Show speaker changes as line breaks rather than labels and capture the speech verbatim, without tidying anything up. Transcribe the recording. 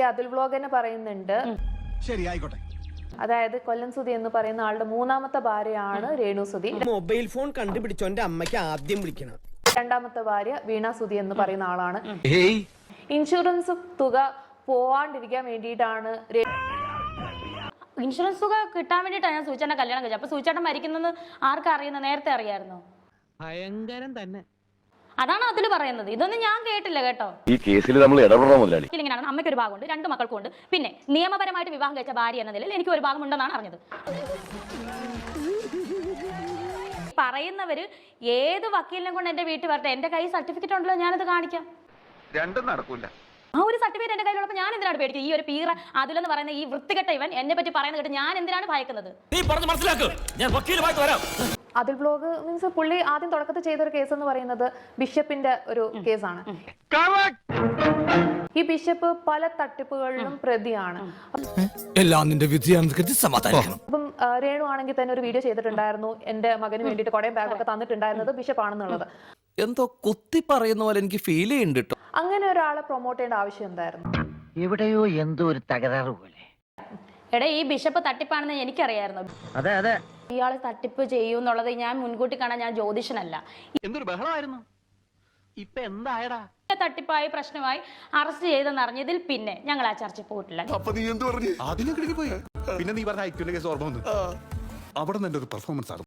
Atul vlog തന്നെ പറയുന്നുണ്ട്.
ശരി, ആയിക്കോട്ടെ.
അതായത് കൊല്ലം സുധി എന്ന് പറയുന്ന ആളുടെ മൂന്നാമത്തെ ഭാര്യയാണ് രേണു സുധി.
മൊബൈൽ ഫോൺ കണ്ടുപിടിച്ചോന്റെ അമ്മയ്ക്ക് ആദ്യം വിളിക്കണം.
രണ്ടാമത്തെ ഭാര്യ വീണ സുധി എന്ന് പറയുന്ന ആളാണ്. ഇൻഷുറൻസ് തുക പോവാണ്ടിരിക്കാൻ വേണ്ടിയിട്ടാണ്
ഇൻഷുറൻസ് തുക കിട്ടാൻ വേണ്ടിയിട്ടാണ് ഞാൻ സൂചേട്ടൻ കല്യാണം കഴിച്ചത്. അപ്പൊ സൂചേട്ടൻ മരിക്കുന്നത് ആർക്കും അറിയുന്ന നേരത്തെ അറിയായിരുന്നോ?
ഭയങ്കരം തന്നെ.
അതാണ് അതിൽ പറയുന്നത്. ഇതൊന്നും ഞാൻ കേട്ടില്ല കേട്ടോ.
ഈ കേസിൽ നമ്മൾ ഇടപെടണം മുതലാളി.
ഇങ്ങനെയാണ് അമ്മയ്ക്ക് ഒരു ഭാഗമുണ്ട്, രണ്ട് മക്കൾക്കും ഉണ്ട്. പിന്നെ നിയമപരമായിട്ട് വിവാഹം കഴിച്ച ഭാര്യ എന്ന നിലയിൽ എനിക്ക് ഒരു ഭാഗം ഉണ്ടെന്നാണ് അറിഞ്ഞത്. പറയുന്നവര് ഏത് വക്കീലിനെ കൊണ്ട് എന്റെ വീട്ടിൽ വരട്ടെ, എന്റെ കൈ സർട്ടിഫിക്കറ്റ് ഉണ്ടല്ലോ, ഞാനത് കാണിക്കാം.
രണ്ടും നടക്കൂല.
ആ ഒരു സർട്ടിഫിക്കറ്റ് എന്റെ കയ്യിലുള്ളപ്പോൾ ഞാൻ എന്തിനാണ് പേടിക്കുന്നത്? ഈ ഒരു പീറ അതിലെന്ന് പറയുന്ന ഈ വൃത്തികെട്ട ഇവൻ എന്നെ പറ്റി പറയുന്നത് കേട്ട് ഞാൻ എന്തിനാണ് ഭയക്കുന്നത്?
അതുൽ വ്ലോഗ് മീൻസ് പുള്ളി ആദ്യം തുടക്കത്തിൽ ചെയ്ത ഒരു കേസ് എന്ന് പറയുന്നത് ബിഷപ്പിന്റെ ഒരു കേസാണ്. ഈ ബിഷപ്പ് പല തട്ടിപ്പുകളിലും പ്രതിയാണ്.
എല്ലാം നിന്റെ വിധിയാണെന്ന് സമാധാനിക്കണം.
അപ്പം രേണു ആണെങ്കിൽ തന്നെ ഒരു വീഡിയോ ചെയ്തിട്ടുണ്ടായിരുന്നു, എന്റെ മകന് വേണ്ടിയിട്ട് കുറെ ബാഗൊക്കെ തന്നിട്ടുണ്ടായിരുന്നത് ബിഷപ്പ് ആണെന്നുള്ളത്.
എന്തോ കുത്തി പറയുന്ന പോലെ എനിക്ക് ഫീൽ ചെയ്യുന്നുണ്ട്.
അങ്ങനെ ഒരാളെ പ്രൊമോട്ട് ചെയ്യേണ്ട ആവശ്യം എന്തായിരുന്നു?
എവിടെയോ എന്തോ ഒരു തകരാറ് പോലെ.
എടാ, ഈ ബിഷപ്പ് തട്ടിപ്പാണെന്ന് എനിക്കറിയായിരുന്നു.
അതെ അതെ,
ഇയാൾ തട്ടിപ്പ് ചെയ്യും എന്നുള്ളത് ഞാൻ മുൻകൂട്ടി കാണാൻ ഞാൻ ജ്യോതിഷനല്ല.
എന്തൊരു ബഹളമായിരുന്നു. ഇപ്പൊ എന്തായടാ?
തട്ടിപ്പായി പ്രശ്നമായി അറസ്റ്റ് ചെയ്തെന്ന് അറിഞ്ഞതിൽ പിന്നെ ഞങ്ങൾ ആ ചർച്ച പോയിട്ടില്ല.
അപ്പൊ നീ എന്ത് പറഞ്ഞു? ആദ്യം പോയി, പിന്നെ നീ പറഞ്ഞ ഐക്യൂന്റെ കേസ് ഓർമ്മ വന്നു. അവിടെ നിന്ന് എന്റെ ഒരു പെർഫോമൻസ് ആണ്.